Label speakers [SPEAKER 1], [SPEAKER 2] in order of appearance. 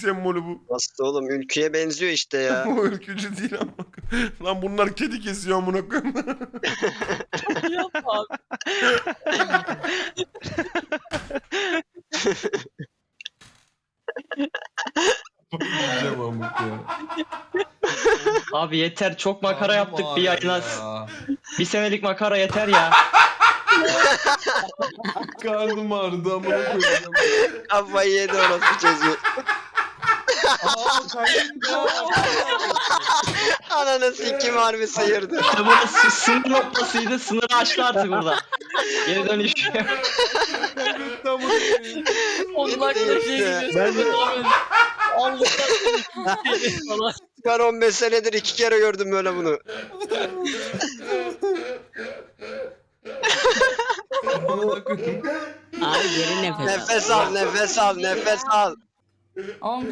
[SPEAKER 1] sembolü bu.
[SPEAKER 2] Nasıl oğlum, ülküye benziyor işte ya.
[SPEAKER 1] O ülkücü değil ama. Lan bunlar kedi kesiyor amına koyayım.
[SPEAKER 3] Yapma abi.
[SPEAKER 4] Yiyeceğim amık ya.
[SPEAKER 3] Abi yeter, çok makara yaptık bir
[SPEAKER 4] Ağrıyor
[SPEAKER 3] yayına.
[SPEAKER 4] ya.
[SPEAKER 3] Bir senelik makara yeter ya.
[SPEAKER 4] Karnım ağrıdı amına koyacağım.
[SPEAKER 2] Kafayı yedi orası çocuğu.
[SPEAKER 4] Aa kaybettim.
[SPEAKER 2] Ananı sikim harbi sıyırdı.
[SPEAKER 3] İşte burası sınır noktasıydı. Sınırı aştı artık burada. Geri dönüş.
[SPEAKER 4] Kaybettim amına koyayım.
[SPEAKER 5] Onlar da şey gidiyor. Allah'tan falan.
[SPEAKER 2] Ben 15 senedir 2 kere gördüm böyle bunu.
[SPEAKER 4] Amına koyayım.
[SPEAKER 5] Abi derin nefes al.
[SPEAKER 2] Nefes al, nefes al, nefes al.
[SPEAKER 5] Oğlum